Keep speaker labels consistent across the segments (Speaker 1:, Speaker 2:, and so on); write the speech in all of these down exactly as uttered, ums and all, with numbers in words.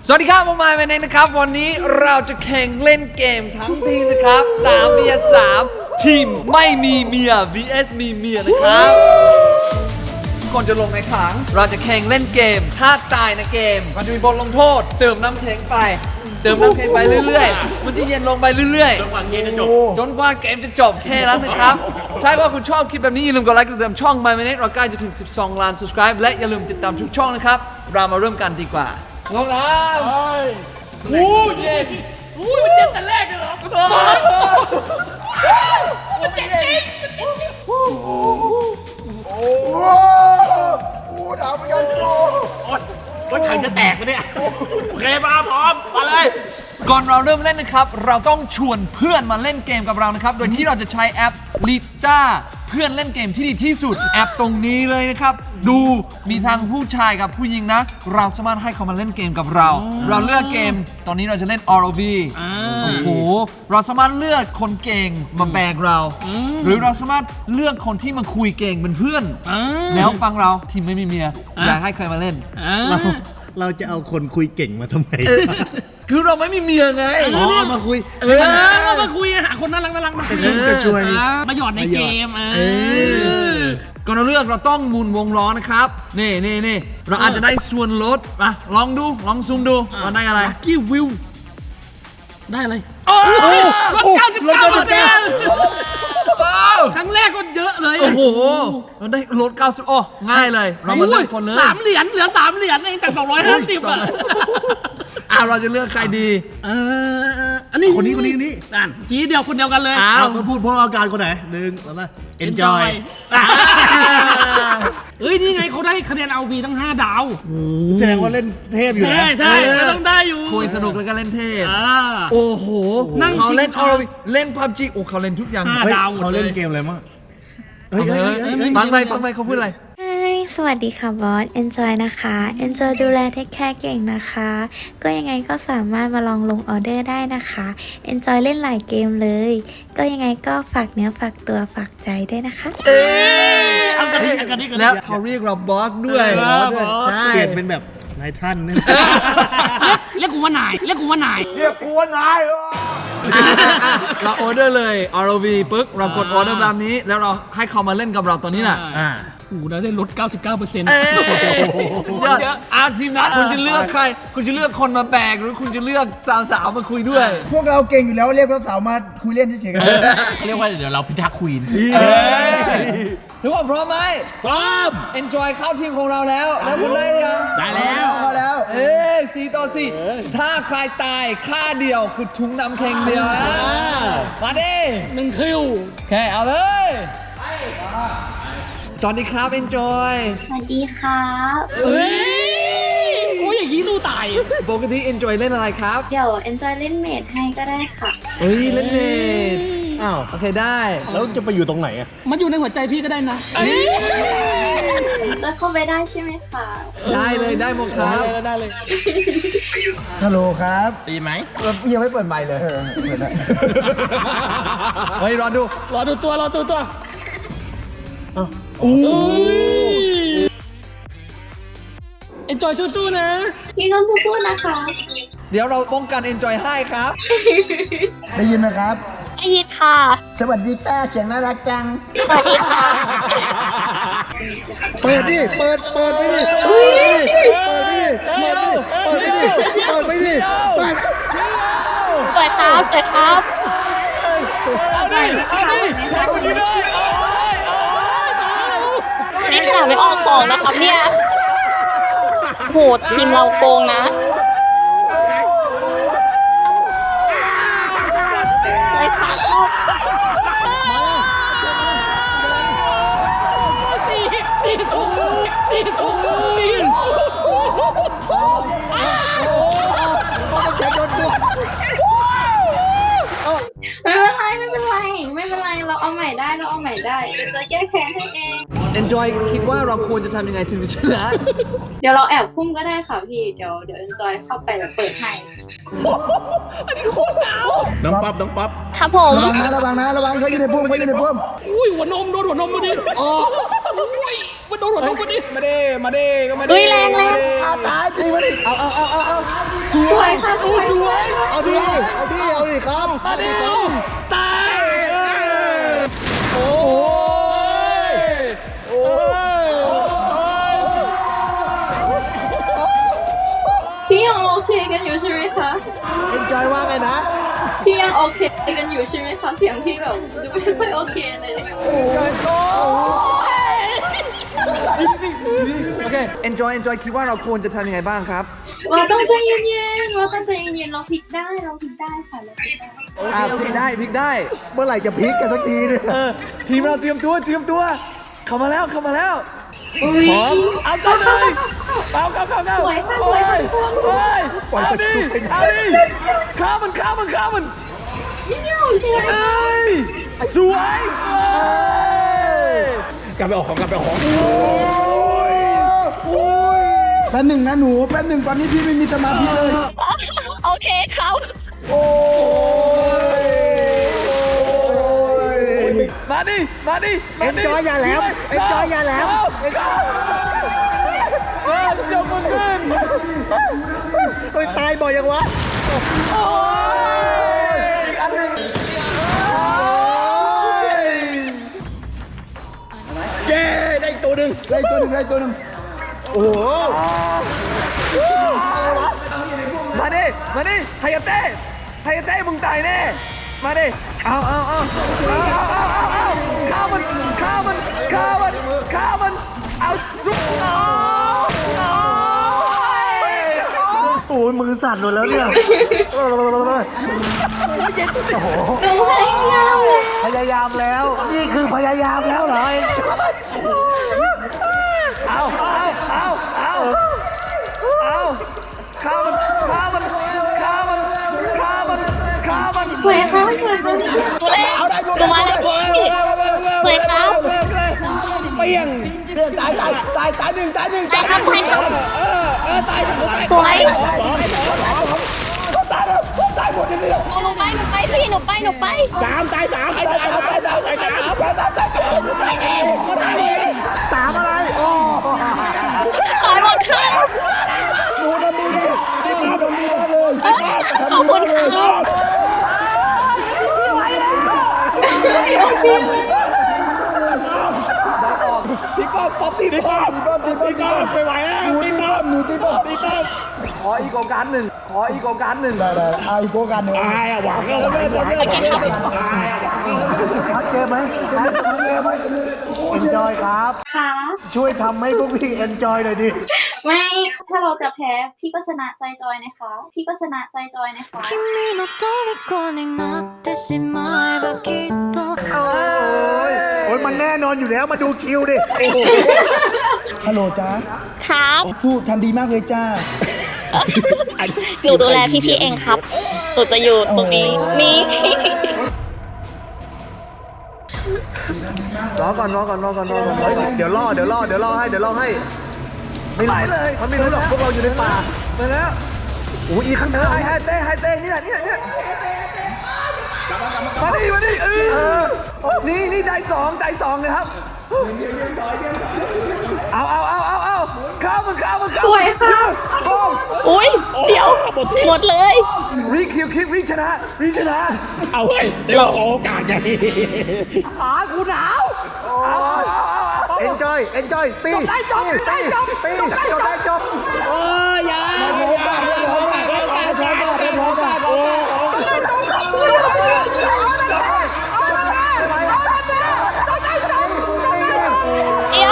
Speaker 1: สวัสดีครับผมมายเมนเองนะครับวันนี้เราจะแข่งเล่นเกมทั้งทีมนะครับสามเมียสามทีมไม่มีเมีย วี เอส มีเมียนะครับก่อนจะลงในถังเราจะแข่งเล่นเกมถ้าตายในเกมมันจะมีบทลงโทษเติมน้ำแข็งไปเติมน้ำแข็งไปเรื่อยๆมันจะเย็นลงไปเรื่อยๆจนกว่าเกมจะจบจนกว่าเกมจะจบแค่นั้นนะครับถ้าว่าคุณชอบคลิปแบบนี้อย่าลืมกดไลค์กดติดตามช่อง มาย เมนเองเราใกล้จะถึงสิบสองล้าน subscribe และอย่าลืมติดตามทุกช่องนะครับเรามาเริ่มกันดีกว่าลงน้ำอู้เย็น
Speaker 2: อุ้ยมันเจ็บแต่แรกเลยเหรอมันเจ็บจริงมันเจ็บจริง
Speaker 3: โอ้โหโอ้ถามไปกันโอ้
Speaker 4: รถถังจะแตกปะเนี่ยโอเคมาพร้อมมาเลย
Speaker 1: ก่อนเราเริ่มเล่นนะครับเราต้องชวนเพื่อนมาเล่นเกมกับเรานะครับโดยที่เราจะใช้แอป ลิต้า เพื่อนเล่นเกมที่ดีที่สุดแอปตรงนี้เลยนะครับดูมีทั้งผู้ชายกับผู้หญิงนะเราสามารถให้เขามาเล่นเกมกับเรา เราเลือกเกมตอนนี้เราจะเล่น อาร์ โอ วี โอ้โหเราสามารถเลือกคนเก่งมาแบกเรา หรือเราสามารถเลือกคนที่มาคุยเก่งเป็นเพื่อนแล้วฟังเราทีมไม่มีเมียอยากให้ใครมาเล่น
Speaker 4: เราเราจะเอาคนคุยเก่งมาทำไม
Speaker 1: คือเราไม่มีเมียไง
Speaker 4: อ๋อมาคุย
Speaker 2: เออมาคุยหาคนน่ารักน่ารักมาคุย
Speaker 4: กระชุ่มกระชวย
Speaker 2: มาหยอดในเกมเออ
Speaker 1: ก่อนเราเลือกเราต้องหมุนวงล้อนะครับนี่นี่นี่เราอาจจะได้ส่วนลดมาลองดูลองซูมดูว่าได้อะไร
Speaker 2: กี้วิวได้อะไรลดเก้าสิบเก้าเปอร์เซ็นต์ครั้งแรกก็เยอะเลย
Speaker 1: โอ้โหเราได้ลดเก้าสิบโอ้ง่ายเลยเรามาเลือกคนเลย
Speaker 2: สามเหรียญเหลือสามเหรียญเองจากสองร้อยห้าสิบอ่ะ
Speaker 1: อ่ะเราจะเลือกใครดี
Speaker 2: เอออันนี้
Speaker 4: คนนี้คนนี้คนนี้
Speaker 2: อ่านจีเดียวคนเดียวกันเลย
Speaker 1: อ้า
Speaker 4: เอา
Speaker 1: ว
Speaker 4: มาพูดพวกอาการคนไหนหนึ่งสองสาม enjoy
Speaker 2: เฮ้ยนี่ไงเขาได้คะแนนเอาวีทั้งห้าดาว
Speaker 4: แสดงว่าเล่นเทพอยู่นะ
Speaker 2: ใช่ใช่ต้องได้อยู่
Speaker 1: คุยสนุกแล้วก็เล่นเทพ
Speaker 2: อ่า
Speaker 1: โอ้โห
Speaker 2: นั่ง
Speaker 1: เขาเล่น
Speaker 2: ชิง
Speaker 1: อ
Speaker 2: ช้า
Speaker 1: อร์เล่นพับจีโอ้เขาเล่นทุกอย่าง
Speaker 2: ห้า
Speaker 4: เฮ้ย
Speaker 2: ดาวหมด
Speaker 4: เขา
Speaker 2: เล
Speaker 4: เล่น
Speaker 2: ย
Speaker 4: เกมอะไรมั่งเฮ้ยเฮ้ยเฮ้ยเฮ้ย
Speaker 1: ฟังไปฟังไปเขาพูดอะไร
Speaker 5: Hi สวัสดีค่ะบอส Enjoy นะคะ Enjoy ดูแลเทคแคร์เก่งนะคะ ก็ยังไงก็สามารถมาลองลงออเดอร์ได้นะคะ Enjoy เล่นหลายเกมเลย ก็ยังไงก็ฝากเนื้อฝากตัวฝากใจด้วยนะคะ
Speaker 2: เอากันดิเอากันดิกันดิ
Speaker 1: แล้วเขาเรียกเราบอสด้วย
Speaker 2: เออ
Speaker 1: ด้วย
Speaker 2: บอส
Speaker 1: ใช่
Speaker 4: เปลี่ยนเป็นแบบนายท่านเนี่ย
Speaker 2: เรียกกูว่านายเรียกกูว่านาย
Speaker 3: เรียกกูว่านายเหรอ
Speaker 1: อ่ะอ่ะเราออเดอร์เลย อาร์ โอ วี ปึ๊กเรากดออเดอร์แบบนี้ แล้วเราให้เขามาเล่นกับเราตัวนี้แหละ
Speaker 4: อ่า
Speaker 2: โอ้โหได้ลด เก้าสิบเก้าเปอร์เซ็นต์
Speaker 1: เอ้ยสุดยอดอาทีมนัดคุณจะเลือกใคร คุณจะเลือกคนมาแบกหรือคุณจะเลือกสาวๆมาคุยด้วย
Speaker 3: พวกเราเก่งอยู่แล้วเรียกสาวๆมาคุยเล่นเฉยๆกัน
Speaker 4: เรียกว่าเดี๋ยวเราพิทักษ์ควีน
Speaker 1: ทุกคนพร้อมไหม
Speaker 2: พร้อม
Speaker 1: Enjoy เข้าทีมของเราแล้ว แล้วคุณได้หรือยัง
Speaker 2: ได้แล้ว
Speaker 3: พอแล้ว
Speaker 1: เอ้ยสี่ต่อสี่ถ้าใครตายค่าเดียวคือถุงน้ำแข็งเดียวนะมาดิ
Speaker 2: หนึ่งคิว
Speaker 1: แค่เอาเลยสวัสดีครับ Enjoy
Speaker 5: สวัสดีครับ
Speaker 2: เฮ้ยโอ้ยอย่างนี้รู้ตาย
Speaker 1: ปกติ Enjoy เล่นอะไรครับ
Speaker 5: เดี๋ยว Enjoy เล่นเมดให้ก็ได้ค่ะ
Speaker 1: เฮ้ย เล่นเน็ต
Speaker 4: อ้าว
Speaker 1: โอเคได้
Speaker 4: แล้วจะไปอยู่ตรงไหนอ่ะ
Speaker 2: มันอยู่ในหัวใจพี่ก็ได้นะ
Speaker 5: จะเข้าไปได้ใช่ไหมคะ
Speaker 1: ได้เลยได้หมดครับ
Speaker 2: ได้เลย
Speaker 3: ฮัลโหลครับ
Speaker 4: ตีไหม
Speaker 3: เออยังไม่เปิดไมค์เลยเออเปิดแล้ว
Speaker 1: เฮ้ย รอดู
Speaker 2: รอดูตัวรอดูตัว
Speaker 1: โอ้
Speaker 2: เอ็นจอยสู้ๆนะ
Speaker 5: พี่ก็สู้ๆนะคะ
Speaker 1: เดี๋ยวเราป้องกัน Enjoy ให้ครับ
Speaker 3: ได้ยินไหมครับ
Speaker 5: ได้ยินค่ะ
Speaker 3: สวัสดีจ้าเสียงน่ารักจัง
Speaker 5: สวัสดีค่ะ
Speaker 3: เปิดดิ เปิด เปิดไปดิ เปิดไปดิ เปิดดิ เปิดไปดิ เปิดไปดิ เปิด
Speaker 5: สวยครับสวยครับ
Speaker 2: เอาดิเอาดิให้คนนี้ด้วยโอ้ยโอ้ย
Speaker 6: นี่ขนาดไม่ออกของนะครับเนี่ยโหดทีมเราโกงนะเลยค่ะ
Speaker 2: ตีตีถูกตีถูกตี
Speaker 5: ไม่เป็นไรไม่เป็นไรไม่เป็นไรเราเอาใหม่ได้เราเอาใหม่ได้เดี๋ยวจะแก้แค้นให้เอง
Speaker 1: Enjoy คิดว่าเราควรจะทำยังไงถึงจะชนะ
Speaker 5: เดี๋ยวเราแอบพุ่มก็ได้ค่ะพี่เดี๋ยวเดี๋ยว Enjoy เข้าไปแล้วเปิดให้
Speaker 4: น้องป๊อปน้องป๊อป
Speaker 6: ครับผม
Speaker 3: ระวังนะ ระวังนะ ระวังเขาอยู่ในพุ่มเขาอยู่ในพุ่ม
Speaker 2: อุ้ยหัวนมโดนหัวนมมาดิโอ้ยมันโดนหัวนมมาดิ
Speaker 3: มาดิ มาดิก็มาดิ
Speaker 6: อุ้ยแรงแรง
Speaker 3: เอาตายจริงมาดิ เอาเอาเอาเอาเอาสวยค่ะสวยสวยเอาดิเอาดิเอาดิครับมาดิครับ
Speaker 1: ตายโอ้ยโอ้ย
Speaker 7: พี่ยังโอเคกันอยู่ใช่ไหมคะ
Speaker 3: เอ็นจอยว่าไงนะ
Speaker 7: พี่ยังโอเคกันอยู่ใช่ไหมคะ เสียงพี่แบบดูไม่ค่อยโอเคเลย
Speaker 1: โอเค enjoy enjoy คิดว่าเราควรจะทำยังไงบ้างครับ
Speaker 7: ว่าต้องใจเย็นๆว่าต้องใจเย็นๆเราพลิกได้เราพลิกได้ค่ะเราพลิกได้
Speaker 1: อ่าพลิกได้พลิกได้
Speaker 3: เมื่อไหร่จะพลิกกันสักทีเนี่ย
Speaker 1: เออ ทีมเราเตรียมตัวเตรียมตัว เข้ามาแล้วเข้ามาแล้ว
Speaker 7: อุ้ย
Speaker 1: พร้อมเอาเข้าเลยเอาเข้าเข้าเข้า
Speaker 7: สวยค่ะส
Speaker 1: โอ้
Speaker 7: วย
Speaker 1: ย
Speaker 7: ค่ะ
Speaker 1: โอ้ยเอาดิเอาดิข้ามันข้ามันข้ามัน
Speaker 7: พี่เหนียวใช่ไหม
Speaker 1: เอ้ยสวยเอ้ย
Speaker 4: กลับไปออกของกลับไปออกของ
Speaker 3: แป๊บหนึ่งนะหนูแป๊บหนึ่งตอนนี้พี่ไม่มีสมาธิเลย
Speaker 6: โอเคครับ
Speaker 1: มาดิมาดิมาดิ
Speaker 3: Enjoy อย่าแหลม Enjoy อย่าแหลม
Speaker 1: เออยกมือขึ้น
Speaker 3: เฮ้ยตายบ่อยยังวะ
Speaker 1: โอ้ยอันหนึ่ง
Speaker 4: เย้ได้อีกตัวหนึ่ง
Speaker 3: ได้ตัวหนึ่งได้ตัวหนึ่งโอ้โห
Speaker 1: มาดิมาดิไฮยาเต้ไฮยาเต้มึงตายแน่มาดิเอาเอาเอาเอาเอาเอาเอาข้ามันข้ามันข้ามันข้ามันเอาซุปเอาเอา
Speaker 3: โอ้ยมือสั่นหมดแล้วเนี่ย
Speaker 7: หนูให้ยาวเลย
Speaker 3: พยายามแล้ว นี่คือพยายามแล้วเหรอ
Speaker 1: เอาเอาเอาเอาเอาข้ามันข้ามันข้ามันข้ามันข้ามัน
Speaker 7: สวยค่ะสวยค่ะ
Speaker 6: ดูแลดูมาแล้วพี่สวยครับ
Speaker 3: เปี้ยงตายตายตายตายหนึ่งตายหนึ่ง
Speaker 6: ตายครับตายครับสวยหนูไปหนูไปพี่หนูไปหนูไป
Speaker 4: สามตายสามตายสามตายสามตายสาม
Speaker 3: สามอะไรโอ้
Speaker 6: ขอหมดค่ะ
Speaker 3: หนูทำดีดีที่ตาทำดีเลย
Speaker 6: ขอบคุณค่ะ
Speaker 3: พี่ป้อมป๊อปตีป้อมพี่ป้อมตีป้อมตีป้อมไปไหวแล้วหนูตีป้อมหนูตีป้อมตีป้อม
Speaker 1: ขออีกโอกาสหนึ่งขออีกโอกาสหนึ่ง
Speaker 3: ได้ได้เอาอีกโกกันหนึ่ง
Speaker 4: ตายอ่ะหวังแล้วหวังแล้ว
Speaker 3: พักเกมไหมพักเกมไหมเอ็นจอยครับ
Speaker 7: ค่ะ
Speaker 3: ช่วยทำให้พวกพี่เอนจอยหน่อยดิ
Speaker 7: ไม่ ถ้าเราจะแพ้ พี่ก็ชนะใจจอยนะคะ พี่ก็ชนะใจจอยนะคะ
Speaker 8: 君の虜になってしまえばきっと
Speaker 3: โอ้ยโอ้ยมันแน่นอนอยู่แล้วมาดูคิวดิฮัลโหลจ้า
Speaker 6: ครับ
Speaker 3: สู้ทำดีมากเลยจ้า
Speaker 6: หนูดูแลพี่ๆเองครับหนูจะอยู่ตรงนี้นี่
Speaker 3: รอก่อนรอก่อนรอก่อนรอก่อนเฮ้ยเดี๋ยวล่อเดี๋ยวล่อเดี๋ยวล่อให้เดี๋ยวล่อให้ไม่รู้เลยมันไม่รู้หรอกพวกเราอยู่ในป่า
Speaker 1: มาแล้ว
Speaker 3: โอ้ยอีข้างห
Speaker 1: เอ
Speaker 3: น้า
Speaker 1: อไฮเต้ไฮเต้นี่แหละนี่แหละเนี่ยมาดิมาดิเออนี่นี่ใจสองใจสองเลยครับเอาเอาเอาเอาเอาข้าวมันข้าวมันข้าว
Speaker 7: สวยค่ะ
Speaker 1: โอ้ม
Speaker 6: อุ้ยเดี๋ยวหมดเลย
Speaker 1: รีคิวคิวรีชนะรีชนะ
Speaker 4: เอาเฮ้ยเดี๋ยวเราขอโอกาสไง
Speaker 1: ขากูหนาวเอาเอาเอาเอา
Speaker 3: เอนจอยเอนจอยตี
Speaker 1: จบได้จบได้จบ
Speaker 3: ตี
Speaker 1: จบได้จบได้จบ
Speaker 3: โอ้ยอย่าอย่าอย่าอย่าอย่าอย่าอย่า
Speaker 6: เดี๋ยว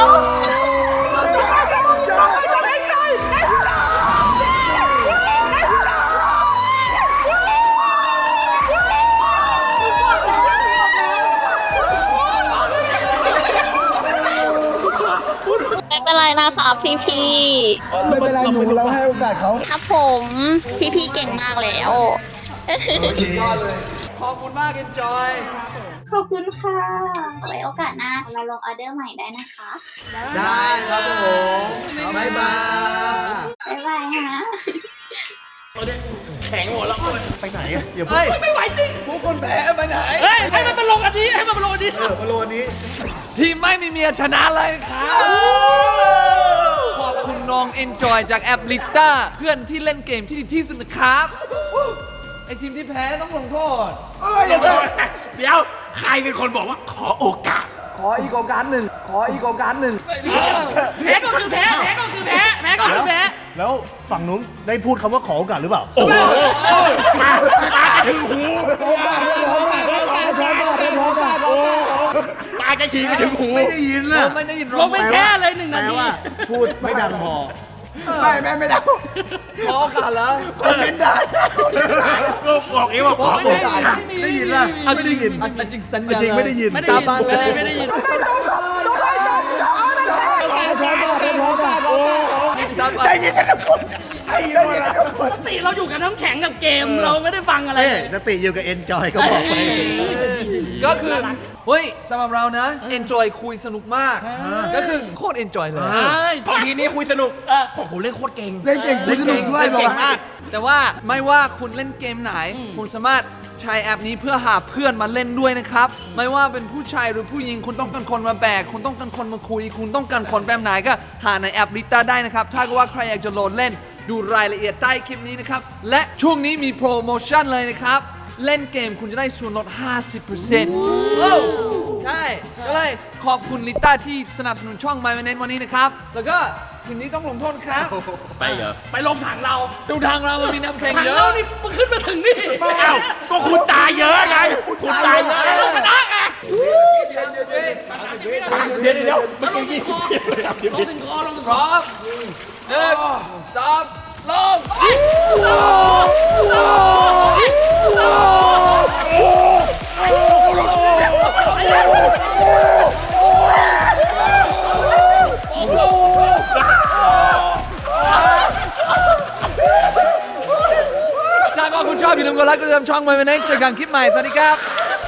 Speaker 6: ไม่เป็นไรนะคะพี่พี่
Speaker 3: ไม่เป็นไรหนูเราให้โอกาสเขา
Speaker 6: ๆครับผมพี่พี่ๆเก่งมากแล้ว
Speaker 1: ขอบคุณมากเอนจอย
Speaker 7: ขอบคุณค่ะไว้โอกาสหน้าเราลงออเดอร์ใหม่ได้นะคะ
Speaker 3: ได้ครับผมบ๊ายบาย
Speaker 7: บ๊ายบายฮะ
Speaker 4: แข็งหมดแล้ว
Speaker 3: ไปไหนอะอย่า
Speaker 1: เฮ้ยไม่ไหวจริงพวกคนแพ้ไปไหน
Speaker 2: เฮ้ย ให้มันมาลงอันนี้ ให้มันมาลงอันนี้
Speaker 3: มาโลนี้
Speaker 1: ทีมไม่มีเมียชนะเลยครับ ขอบคุณน้องๆ enjoy จากแอปลิต้าเพื่อนที่เล่นเกมที่ดีที่สุดนะครับ ไอทีมที่แพ้ต้องลงโทษ
Speaker 4: เดี๋ยวใครเป็นคนบอกว่าขอโอกาส
Speaker 1: ขออีกโอกาสหนึ่งขออีกโอกาสหนึ่ง
Speaker 2: แพ้ก็คือแพ้แพ้ก็คือแพ้แพ้ก็คือแพ้
Speaker 3: แล้วฝั่งนู้นได้พูดคำว่าขอโอกาสหรือเปล่า
Speaker 4: โอ้โหมามาจะถึงหูมาจะขี่ไปถึงหูไม่ได้ยิน
Speaker 1: เราไม่ได้ยิน
Speaker 2: ลงไปแช่เลยหนึ่งนา
Speaker 3: แปล
Speaker 2: ที
Speaker 3: ว่าพูดไม่ดังพอ
Speaker 4: ไม่ไม่ไม่ได้
Speaker 1: ขอโอกาสแล้ว
Speaker 4: คนเป็นได้ก็บอกเองว่าขอโอกาส
Speaker 2: ได้ยินป่ะ
Speaker 1: เอาจริงเอาจริงสัญญา
Speaker 3: จริงไม่ได้ยิน
Speaker 2: ไม่ได้ยินเลยไม่ได้ยิน
Speaker 1: ได้ยินทุกคน
Speaker 2: ปกติเราอยู่กับน้ำแข็งกับเกมเราไม่ได้ฟังอะไร
Speaker 3: เอ้
Speaker 2: เลย
Speaker 3: สติอยู่กับเอนจอยก็บอกไป
Speaker 1: ก็คือ เฮ้ยสำหรับเรานะ enjoy คุยสนุกมาก ก็คือโคตร enjoy เลย
Speaker 2: ใช่
Speaker 4: ของทีนี้คุยสนุก
Speaker 2: เออ
Speaker 4: ของผมเล่นโคตรเก่ง
Speaker 3: เล่นเก่งคุยสนุกด้วย
Speaker 1: เล่นเก่ง
Speaker 3: บอกว่า
Speaker 1: มาก แต่ว่าไม่ว่าคุณเล่นเกมไหน คุณสามารถใช้แอปนี้เพื่อหาเพื่อนมาเล่นด้วยนะครับ ไม่ว่าเป็นผู้ชายหรือผู้หญิง คุณต้องการคนมาแบก คุณต้องการคนมาคุย คุณต้องการคนแบบไหนก็หาในแอปลิต้าได้นะครับ ถ้าเกิดว่าใครอยากจะโหลดเล่น ดูรายละเอียดใต้คลิปนี้นะครับ และช่วงนี้มีโปรโมชั่นเลยนะครับ เล่นเกมคุณจะได้ส่วนลด ห้าสิบเปอร์เซ็นต์ โอ้ใช่ ก็เลยขอบคุณลิต้าที่สนับสนุนช่อง My Manage วันนี้นะครับ แล้วก็ทีมนี้ต้องลงโทษครับ
Speaker 4: ไปเหรอ
Speaker 2: ไปลงถังเรา
Speaker 1: ดูทางเรามันมีน้ำแข็ง
Speaker 2: ถัง
Speaker 1: เย
Speaker 2: เรา
Speaker 1: อะ
Speaker 2: นี่มันขึ้นมาถึงนี่
Speaker 4: เอ้าก็คุณตายเยอะไงคุณตายเยอะ
Speaker 2: เราชนะไง
Speaker 4: เดี๋ยวเดี๋ยว
Speaker 2: มันลงถึงคอลงถึงคอลงถึง
Speaker 1: พ
Speaker 2: คอ
Speaker 1: ร้อมหนึ่งสองลง ถ้าก็คุณชอบอย่าลืมกดไลค์กดติดตามช่อง My Manage เจอกันคลิปใหม่ สวัสดีครับ